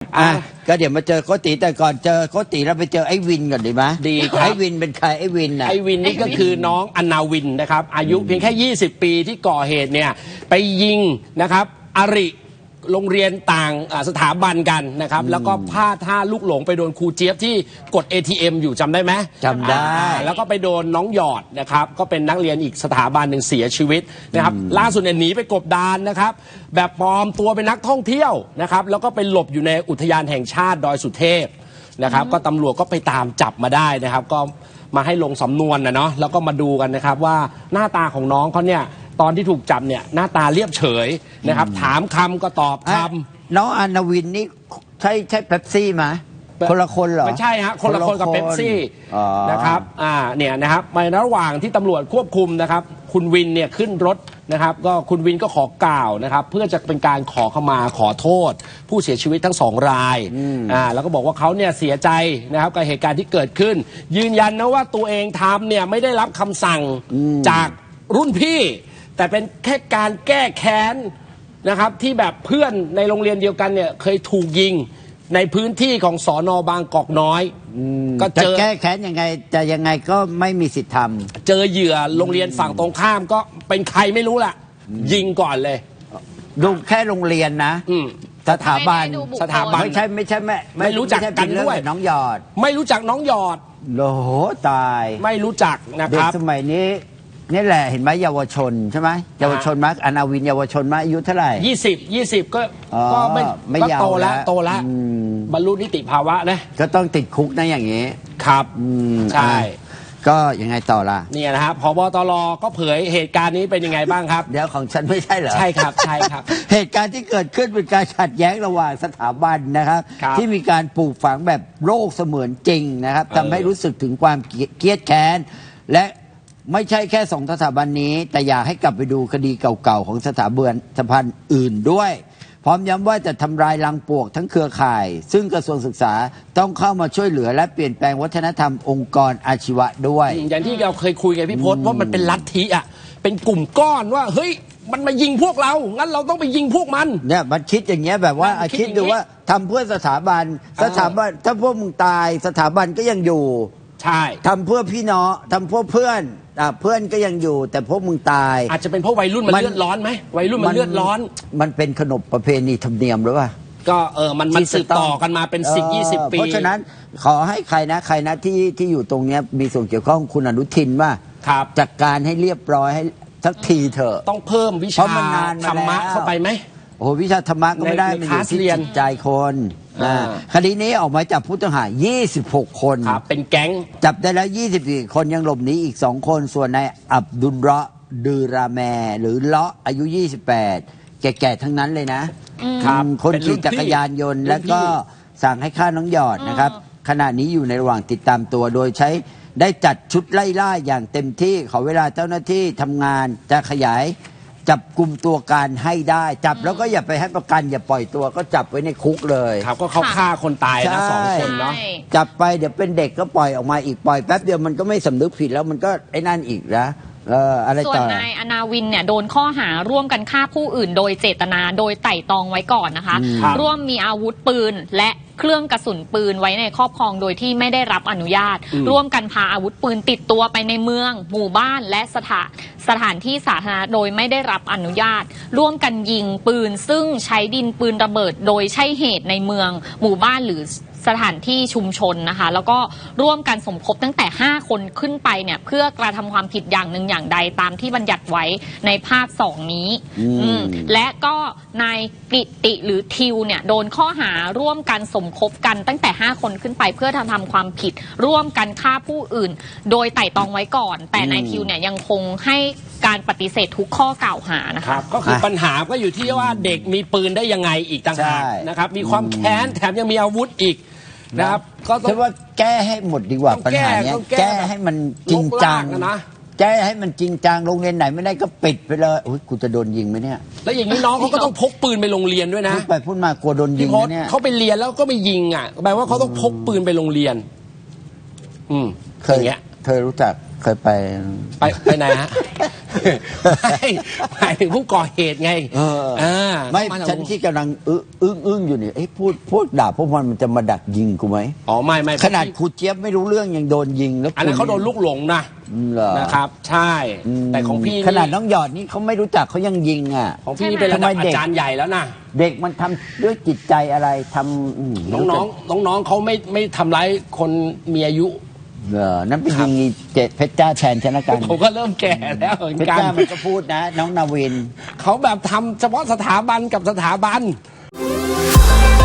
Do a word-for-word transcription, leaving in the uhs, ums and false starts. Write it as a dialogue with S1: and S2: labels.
S1: อ่ะก็เดี๋ยวมาเจอโกติแต่ก่อนเจอโกติเราไปเจอไอ้วินก่อนดีไหม
S2: ดีครับ
S1: ไอ้วินเป็นใครไอ้วินน่ะ
S2: ไอ้วินนี่ก็คือน้องอนาวินนะครับอายุเพียงแค่ยี่สิบปีที่ก่อเหตุเนี่ยไปยิงนะครับอริโรงเรียนต่างสถาบันกันนะครับแล้วก็พลาดท่าลูกหลงไปโดนครูเจี๊ยบที่กด เอ ที เอ็ม อยู่จำได้ไหม
S1: จำได้
S2: แล้วก็ไปโดนน้องหยอดนะครับก็เป็นนักเรียนอีกสถาบันหนึ่งเสียชีวิตนะครับล่าสุดเนี่ยหนีไปกบดานนะครับแบบปลอมตัวเป็นนักท่องเที่ยวนะครับแล้วก็ไปหลบอยู่ในอุทยานแห่งชาติดอยสุเทพนะครับก็ตำรวจก็ไปตามจับมาได้นะครับก็มาให้ลงสำนวนนะเนาะแล้วก็มาดูกันนะครับว่าหน้าตาของน้องเขาเนี่ยตอนที่ถูกจับเนี่ยหน้าตาเรียบเฉยนะครับถามคำก็ตอบค
S1: ำน้องอนาวินนี่ใช่ใช่เป๊ปซี่ไหมคนละคนเหรอ
S2: ไม่ใช่ฮะคนละคนกับเป๊ปซี่นะครับอ่าเนี่ยนะครับในระหว่างที่ตำรวจควบคุมนะครับคุณวินเนี่ยขึ้นรถนะครับก็คุณวินก็ขอกล่าวนะครับเพื่อจะเป็นการขอขมาขอโทษผู้เสียชีวิตทั้งสองรายอ่าแล้วก็บอกว่าเขาเนี่ยเสียใจนะครับกับเหตุการณ์ที่เกิดขึ้นยืนยันนะว่าตัวเองทำเนี่ยไม่ได้รับคำสั่งจากรุ่นพี่แต่เป็นแค่การแก้แค้นนะครับที่แบบเพื่อนในโรงเรียนเดียวกันเนี่ยเคยถูกยิงในพื้นที่ของสน.บางกอกน้อย
S1: ก็เจอแก้แค้นยังไงจะยังไงก็ไม่มีสิทธิ์ทำ
S2: เจอเหยื่อโรงเรียนฝั่งตรงข้ามก็เป็นใครไม่รู้ล่ะยิงก่อนเลย
S1: ดูแค่โรงเรียนนะสถาบัน
S2: สถาบัน
S1: ไม่ใช่ไม่ใช่ไม่
S2: ไม่รู้จักกันด้วย
S1: น้องหยอด
S2: ไม่รู้จักน้องหยอด
S1: โอ้โหตาย
S2: ไม่รู้จักนะครับ
S1: เด็กสมัยนี้นี่แหละเห็นไหมเยาวชนใช่ไหมเยาวชนมั้ยอนาวินเยาวชนมั้ยอายุเท่าไหร่
S2: ยี่สิบยี่สิบก็ก็ไม่
S1: ไม่
S2: โตแล้วโตแล้วบรรลุนิติภาวะนะ
S1: ก็ต้องติดคุกนะอย่างนี้
S2: ครับใช่
S1: ก็ยังไงต่อล่ะ
S2: เนี่ยนะครับผบ.ตร.ก็เผยเหตุการณ์นี้เป็นยังไงบ้างครับ
S1: เดี๋ยวของฉันไม่ใช่เหรอ
S2: ใช่ครับใช่ครับ
S1: เหตุการณ์ที่เกิดขึ้นเป็นการขัดแย้งระหว่างสถาบันนะครับที่มีการปลูกฝังแบบโรคเสมือนจริงนะครับทำให้รู้สึกถึงความเกลียดแค้นและไม่ใช่แค่สองสถาบันนี้แต่อยากให้กลับไปดูคดีเก่าๆของสถาบันสถาบันอื่นด้วยพร้อมย้ำว่าจะทำลายรังปลวกทั้งเครือข่ายซึ่งกระทรวงศึกษาต้องเข้ามาช่วยเหลือและเปลี่ยนแปลงวัฒนธรรมองค์กรอาชีวะด้วย
S2: อย่างที่เราเคยคุยกันพี่พศว่ามันเป็นลัทธิอ่ะเป็นกลุ่มก้อนว่าเฮ้ยมันมายิงพวกเรางั้นเราต้องไปยิงพวกมัน
S1: เนี่ยมันคิดอย่างเงี้ยแบบว่าคิดดูว่าทำเพื่อสถาบันสถาบันถ้าพวกมึงตายสถาบันก็ยังอยู่
S2: ใช่
S1: ทำเพื่อพี่น้องทำเพื่อเพื่อนเพื่อนก็ยังอยู่แต่พวกมึงตาย
S2: อาจจะเป็นเพราะวัยรุ่นมันเลือดร้อนไหมวัยรุ่นมันเลือดร้อน
S1: มันเป็นขนบประเพณีธรรมเนียมหรือเปล่า
S2: ก็เออมันมันสืบต่อกันมาเป็นสิบยี่สิบปี
S1: เพราะฉะนั้นขอให้ใครนะใครนะที่ที่อยู่ตรงนี้มีส่วนเกี่ยวข้องคุณอนุทินว่าจัดการให้เรียบร้อยให้สักทีเถอะ
S2: ต้องเพิ่มวิชาธรรมะเข้าไปไหม
S1: โอ้วิชาธรรมะก็ไม่ได้มันอยู่ที่จิตใจคนคดีนี้ออกมาจับผู้ต้องหายี่สิบหกคน
S2: เป็นแก๊ง
S1: จับได้แล้วยี่สิบสี่คนยังหลบหนีอีกสองคนส่วนนายอับดุลเราะห์ดือราแมหรือเลาะอายุยี่สิบแปดแก่ๆทั้งนั้นเลยนะคนขี่จักรยานยนต์แล้วก็สั่งให้ฆ่าน้องหยอดนะครับขณะนี้อยู่ในระหว่างติดตามตัวโดยใช้ได้จัดชุดไล่ล่าอย่างเต็มที่ขอเวลาเจ้าหน้าที่ทำงานจะขยายจับกลุ่มตัวการให้ได้จับแล้วก็อย่าไปให้ประกันอย่าปล่อยตัวก็จับไว้ในคุกเลย
S2: ครับก็เขาฆ่าคนตายนะสองคนเนาะ
S1: จับไปเดี๋ยวเป็นเด็กก็ปล่อยออกมาอีกปล่อยแป๊บเดียวมันก็ไม่สำนึกผิดแล้วมันก็ไอ้นั่นอีกนะเอออะไรต่อส่วน
S3: นายอนาวินเนี่ยโดนข้อหาร่วมกันฆ่าผู้อื่นโดยเจตนาโดยไต่ตองไว้ก่อนนะคะร่วมมีอาวุธปืนและเครื่องกระสุนปืนไว้ในครอบครองโดยที่ไม่ได้รับอนุญาตร่วมกันพาอาวุธปืนติดตัวไปในเมืองหมู่บ้านและสถานสถานที่สาธารณะโดยไม่ได้รับอนุญาตร่วมกันยิงปืนซึ่งใช้ดินปืนระเบิดโดยใช่เหตุในเมืองหมู่บ้านหรือสถานที่ชุมชนนะคะแล้วก็ร่วมกันสมคบตั้งแต่ห้าคนขึ้นไปเนี่ยเพื่อกระทำความผิดอย่างหนึ่งอย่างใดตามที่บัญญัติไว้ในภาคสองนี้และก็นายกิติหรือทิวเนี่ยโดนข้อหาร่วมกันสมคบกันตั้งแต่ห้าคนขึ้นไปเพื่อทำทำความผิดร่วมกันฆ่าผู้อื่นโดยไต่ตองไว้ก่อนแต่นายทิวเนี่ยยังคงให้การปฏิเสธทุกข้อกล่าวหานะคะ
S2: ก็คือปัญหาก็อยู่ที่ว่าเด็กมีปืนได้ยังไงอีกต่างหากนะครับมีความแค้นแถมยังมีอาวุธอีกนะครับ
S1: ก็ต้องว่าแก้ให้หมดดีกว่าปัญหาเนี้ยแก้ให้มันจริงจังนะแก้ให้มันจริงจังโรงเรียนไหนไม่ได้ก็ปิดไปเลยอุ้ยกูจะโดนยิงไหมเนี่ย
S2: แล้วอย่างนี้น้องเขาก็ต้องพกปืนไปโรงเรียนด้วยนะ
S1: พูดไปพูดมากลัวโดนยิงเนี่ย
S2: เขาไปเรียนแล้วก็ไปยิงอ่ะแปลว่าเขาต้องพกปืนไปโรงเรียนอืม
S1: เคยเงี้ยเคยรู้จักเคยไป
S2: ไปไปไหนฮะไม่หมายถึงผู้ก่อเหตุไง
S1: เออ
S2: อ่า
S1: ไม่
S2: เข้าา
S1: ฉันที่กำลังอึ้งอึ้งอึ้งอยู่เนี่ยเอ้พูดพูดด่าพวกมันมันจะมาดักยิงกูไหม
S2: อ๋อไม่ไม่
S1: ขนาดครูเจี๊ยบไม่รู้เรื่องยังโดนยิงแล้ว
S2: อันนั้นเขาโดนลูกหลงนะ
S1: เหรอ
S2: นะครับ ใช่ แต่ของพี่
S1: ขนาดน้องหยอดนี่เขาไม่รู้จักเขายังยิงอ่ะ
S2: ของพี่นี่เป็นระดับ
S1: ทำไม
S2: อา
S1: เด็ก
S2: จารย์ใหญ่แล้วนะ
S1: เด็กมันทำด้วยจิตใจอะไรทำอืม
S2: น้องๆน้องๆเขาไม่ไม่ทำร้ายคนมีอายุ
S1: เหรอนั่นเป็นยิงอีเจเพชรจ้าแทนชนะกัน
S2: ผมก็เริ่มแก่แล้วเหมือน
S1: เพชร
S2: กัน
S1: จ้ามันก็พูดนะ น้องนาวิน
S2: เขาแบบทำเฉพาะสถาบันกับสถาบัน